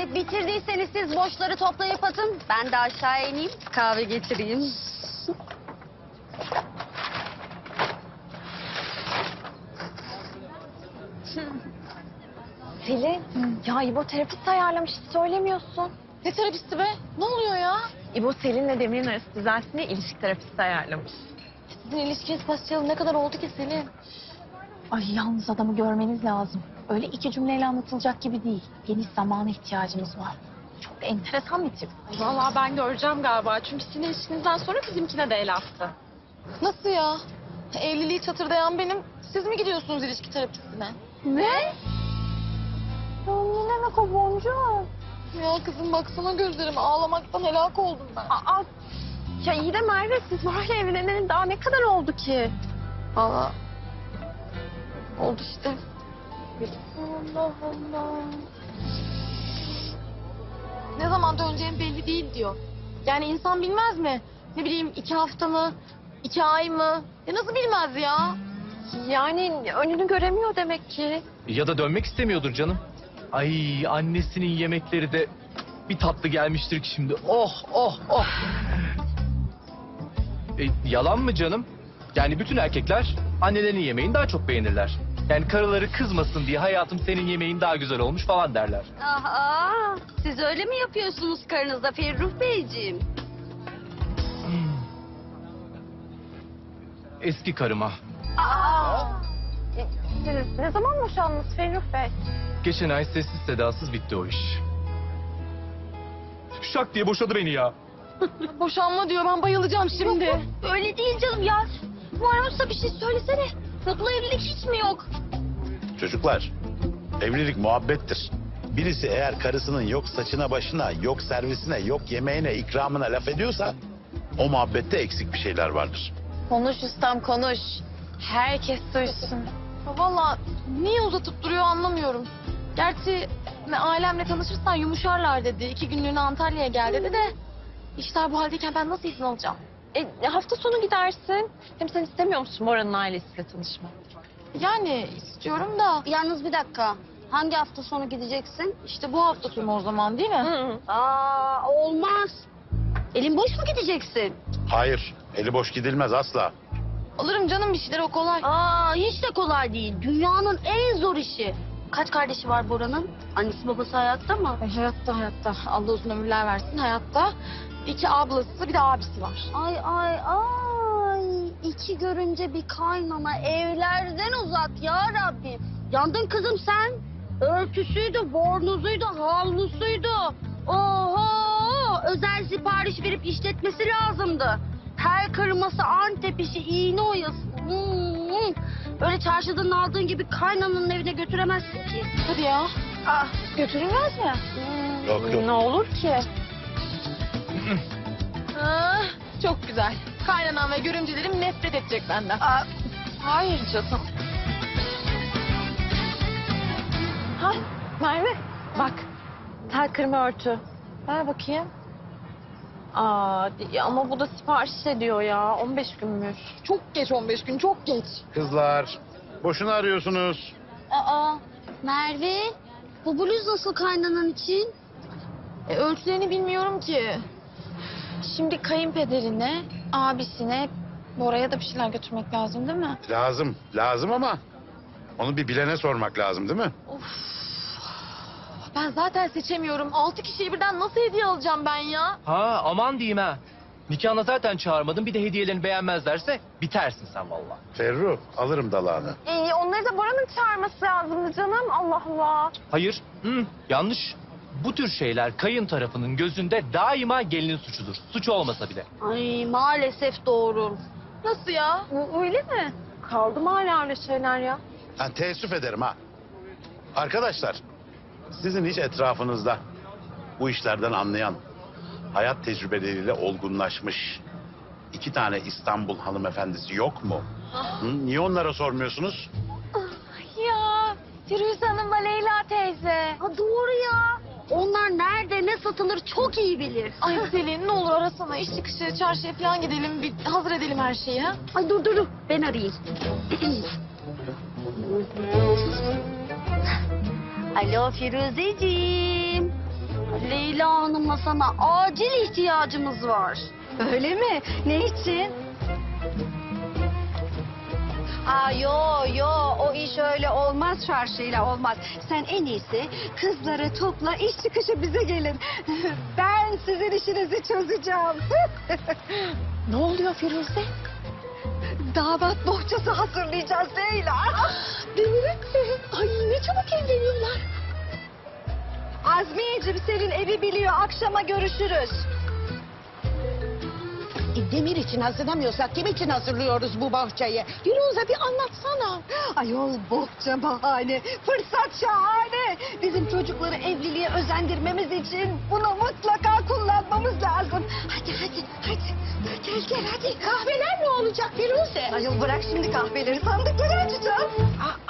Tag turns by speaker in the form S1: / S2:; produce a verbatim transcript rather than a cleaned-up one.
S1: bitirdiyseniz siz boşları toplayıp atın. Ben de aşağıya ineyim, kahve getireyim.
S2: Selin, ya İbo terapist ayarlamış, hiç söylemiyorsun.
S3: Ne terapisti be? Ne oluyor ya?
S2: İbo Selin'le Demir'in arası düzelsin diye ilişki terapisti ayarlamış.
S3: Sizin ilişkiniz başlayalı ne kadar oldu ki Selin?
S2: Ay yalnız adamı görmeniz lazım. Öyle iki cümleyle anlatılacak gibi değil. Geniş zamana ihtiyacımız var. Çok enteresan bir tip.
S4: Vallahi ben göreceğim galiba. Çünkü sizin ilişkinizden sonra bizimkine de el attı.
S3: Nasıl ya? Evliliği çatırdayan benim. Siz mi gidiyorsunuz ilişki terapistine?
S2: Ne? Ya ne demek o boncuğum?
S3: Ya kızım baksana gözlerime, ağlamaktan helak oldum ben.
S2: Aa, ya iyi de Merve, siz böyle evleneli daha ne kadar oldu ki?
S3: Valla oldu işte. Allah Allah. Ne zaman döneceğim belli değil diyor. Yani insan bilmez mi? Ne bileyim iki hafta mı? İki ay mı? Ya nasıl bilmez ya?
S2: Yani önünü göremiyor demek ki.
S5: Ya da dönmek istemiyordur canım. Ay annesinin yemekleri de bir tatlı gelmiştir ki şimdi. Oh oh oh. E, yalan mı canım? Yani bütün erkekler annelerinin yemeğini daha çok beğenirler. Yani karıları kızmasın diye hayatım senin yemeğin daha güzel olmuş falan derler.
S1: Aha, siz öyle mi yapıyorsunuz karınızda Ferruh Beyciğim?
S5: Eski karıma.
S2: Aa! E, Siz ne zaman boşandınız Ferruh Bey?
S5: Geçen ay sessiz sedasız bitti o iş. Şak diye boşadı beni ya.
S3: Boşanma diyor, ben bayılacağım şimdi.
S1: Öyle değil canım ya. Varsa bir şey söylesene. Mutlu evlilik hiç mi yok?
S6: Çocuklar, evlilik muhabbettir. Birisi eğer karısının yok saçına başına, yok servisine, yok yemeğine, ikramına laf ediyorsa o muhabbette eksik bir şeyler vardır.
S2: Konuş ustam konuş. Herkes duysun.
S3: Ya valla niye uzatıp duruyor anlamıyorum. Gerçi ailemle tanışırsan yumuşarlar dedi. İki günlüğüne Antalya'ya gel dedi de. İşler bu haldeyken ben nasıl izin alacağım?
S2: E, hafta sonu gidersin. Hem sen istemiyor musun Bora'nın ailesiyle tanışmak?
S3: Yani istiyorum da
S1: Yalnız bir dakika. Hangi hafta sonu gideceksin?
S3: işte bu hafta sonu o zaman değil mi?
S1: Aa, olmaz. Elin boş mu gideceksin?
S6: Hayır, eli boş gidilmez asla.
S3: Alırım canım bir şeyler, o kolay.
S1: Aa, hiç de kolay değil. Dünyanın en zor işi. Kaç kardeşi var Bora'nın? Annesi babası hayatta mı?
S3: Ay, hayatta hayatta. Allah uzun ömürler versin, hayatta. İki ablası bir de abisi var.
S1: Ay ay ay. İki görünce bir kaynana evlerden uzak ya Rabbim. Yandın kızım sen. Örtüsüydü, bornozuydu, havlusuydu. Oho! Özel sipariş verip işletmesi lazımdı. Tel kırması, Antep işi, iğne oyası. Hmm. Öyle çarşıdan aldığın gibi kaynananın evine götüremezsin ki.
S3: Hadi ya.
S2: Ah, götürülmez mi?
S6: Yok yok.
S2: Ne olur ki?
S3: Ah, çok güzel. Kaynanam ve görümcelerim nefret edecek benden.
S2: Aa, hayır canım. Ha Merve bak. Tel kırma örtü. Ver bakayım. Aa, ama bu da sipariş ediyor ya. on beş günmüş.
S3: Çok geç on beş gün, çok geç.
S6: Kızlar, boşuna arıyorsunuz.
S1: Aa, Merve, bu bluz nasıl kaynanan için?
S3: E, ölçülerini bilmiyorum ki. Şimdi kayınpederine, abisine, Bora'ya da bir şeyler götürmek lazım değil mi?
S6: Lazım, lazım ama onu bir bilene sormak lazım değil mi?
S3: Of. Ben zaten seçemiyorum. Altı kişiyi birden nasıl hediye alacağım ben ya?
S5: Ha aman diyeyim ha. Nikahına zaten çağırmadın bir de hediyelerini beğenmezlerse bitersin sen vallahi.
S6: Ferruh, alırım dalağını.
S2: İyi, onları da Bora'nın çağırması lazımdı canım. Allah Allah.
S5: Hayır, hı, yanlış. Bu tür şeyler kayın tarafının gözünde daima gelinin suçudur. Suç olmasa bile.
S1: Ay maalesef doğru.
S3: Nasıl ya?
S2: Bu öyle mi? Kaldı mı hala öyle şeyler ya?
S6: Ha, teessüf ederim ha. Arkadaşlar, sizin hiç etrafınızda bu işlerden anlayan, hayat tecrübeleriyle olgunlaşmış iki tane İstanbul hanımefendisi yok mu? Hı? Niye onlara sormuyorsunuz?
S2: Ya Firuze Hanım'la Leyla teyze.
S1: Ha doğru ya. Onlar nerede ne satılır çok iyi bilir.
S3: Ay Selin ne olur arasana. İş çıkışı çarşıya falan gidelim. Bir hazır edelim her şeyi ha.
S1: Ay dur dur dur ben arayayım. Alo Firuzeciğim. Leyla Hanım'la sana acil ihtiyacımız var.
S7: Öyle mi? Ne için? Aa yo yo o iş öyle olmaz, çarşıyla olmaz. Sen en iyisi kızları topla, iş çıkışı bize gelin. Ben sizin işinizi çözeceğim.
S2: Ne oluyor Firuze?
S7: Damat bohçası hazırlayacağız Leyla. Değil mi? Ay ne çabuk evleniyorlar. Azmiyeciğim senin evi biliyor, akşama görüşürüz.
S8: E, Demir için hazırlamıyorsak kim için hazırlıyoruz bu bahçeyi? Firuze bir anlatsana.
S7: Ayol bohça bahane, fırsat şahane. Bizim çocukları evliliğe özendirmemiz için bunu mutlaka kullanmamız lazım. Hadi hadi hadi. Gel gel hadi.
S8: Kahveler ne olacak Firuze?
S7: Ayol bırak şimdi kahveleri, sandıkları açacağız.
S8: Aa,